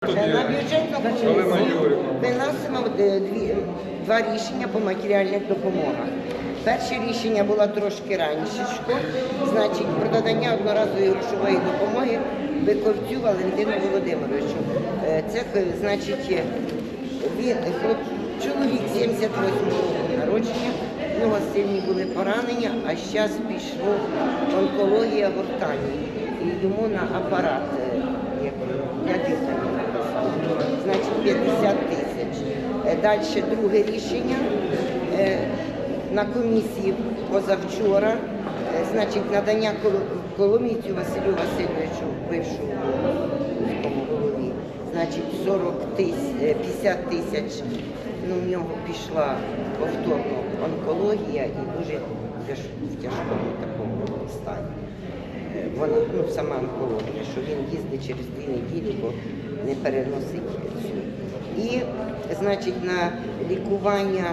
На бюджетну комісію виносимо два рішення по матеріальних допомогах. Перше рішення було трошки раніше, значить про надання одноразової грошової допомоги Биковцю Валентину Володимировичу. Це, значить, він чоловік 78 року народження, в нього сильні були поранення, а зараз пішла онкологія гортані. І йому на апарат, значить 50 тисяч. Далі друге рішення на комісії позавчора, значить надання Коломійцю Василю Васильовичу, бившому міському голові, значить 50 тисяч. Ну, в нього пішла повторно онкологія і дуже в тяжкому такому стані. Вона, сама онкологія, що він їздить через 2 неділі, бо не переносить цю. І, значить, на лікування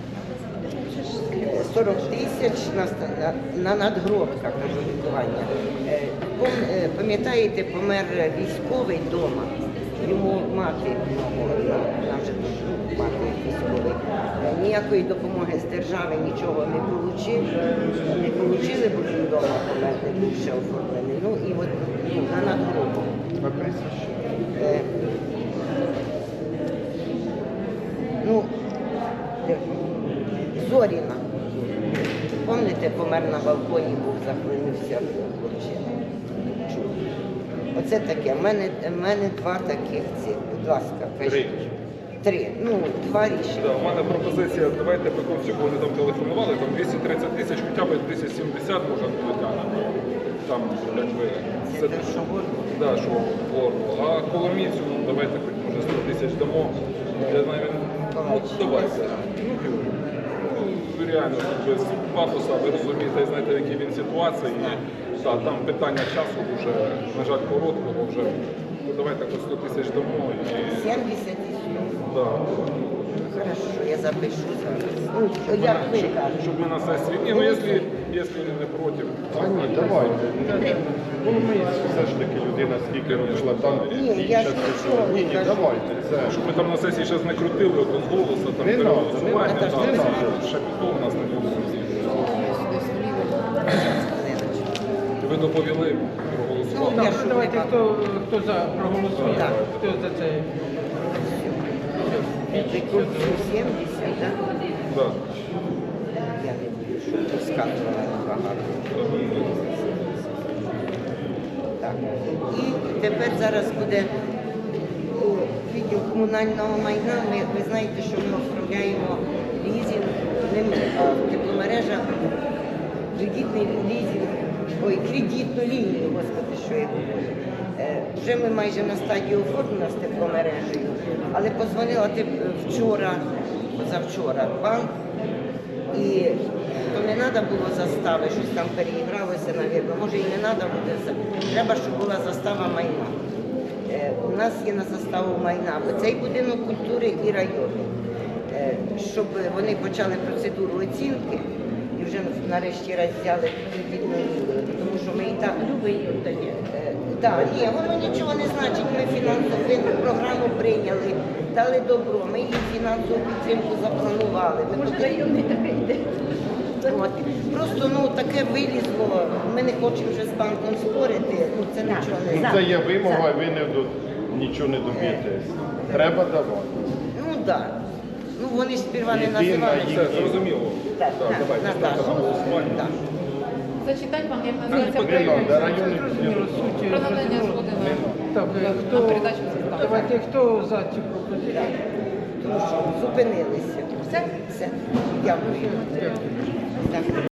40 тисяч на надгробках кажу, лікування. Пам'ятаєте, помер військовий вдома, йому мати, нам вже мати військовий, ніякої допомоги з держави нічого не отримали, бо він вдома помер, не був ще оформлений. Ну і от на надгробок. Зоріна. Пам'ятаєте, помер на балконі, був, захлинувся хлопчина. Оце таке. У мене два таких цих. Будь ласка, кажіть. Три. Два рішення. Да, у мене пропозиція, давайте Биковцю, бо вони там телефонували, там 230 тисяч, хоча б 270 можна буде тягнути. Там, якби... Це те, що горно? Так, що горно. А Коломійцю, давайте хоч може 100 тисяч дамо. Я знаю, давайте. Реально, без пафоса, ви розумієте, знаєте, в якій він ситуації. І, там питання часу вже, на жаль, короткого вже. Давайте хоч 100 тисяч дамо. 70 тисяч? Да. Хорошо, я запишу зараз. Як ви кажете? Щоб ми на сесії. Ні, якщо він не проти. Ні, давайте. Коломийський все ж таки людина, скільки робила там. Ні, я ж нічого не кажу. Давайте. Щоб ми там на сесії зараз не крутили, от з голосу, там переголосування, ще пішло у нас не було. Ви доповіли, проголосували. Давайте, хто за проголосує, Так. хто за це. Биковцю 70, так? Так. Я не буду, щоб розказувала багато. Так. І тепер зараз буде відділ комунального майна. Ви знаєте, що ми оформляємо лізинг, не ми, а тепломережа, кредитний лізинг, кредитну лінію, господи, що я говорю. Вже ми майже на стадії оформлення з тепломережею, але подзвонила позавчора в банк, і то не треба було застави, щось там переігралося, навірно, може і не треба буде, треба, щоб була застава майна. У нас є на заставу майна, бо цей будинок культури і району, щоб вони почали процедуру оцінки і вже нарешті раз взяли кредитну лінію, тому що ми і так любимо. Так, ні, воно нічого не значить, ми фінансову програму прийняли, дали добро, ми їм фінансову підтримку запланували. Може, районний таке йде? Просто таке вилізло, ми не хочемо вже з банком спорити, це нічого не значить. Це є вимога, ви нічого не доб'єтесь. Треба давати. Так. Вони ж сперва не Єдина називали. Все, зрозуміло. Так, Давайте Наташа. ставимо на голосування. Так. Зачитати вам, як Не називається треба, районний Зрозуміло, суть. про надання згоди Так, на хто, передачу застави. давайте, хто за цю пропозицію? Тому що зупинилися. Все? Все. Дякую. Дякую. Так.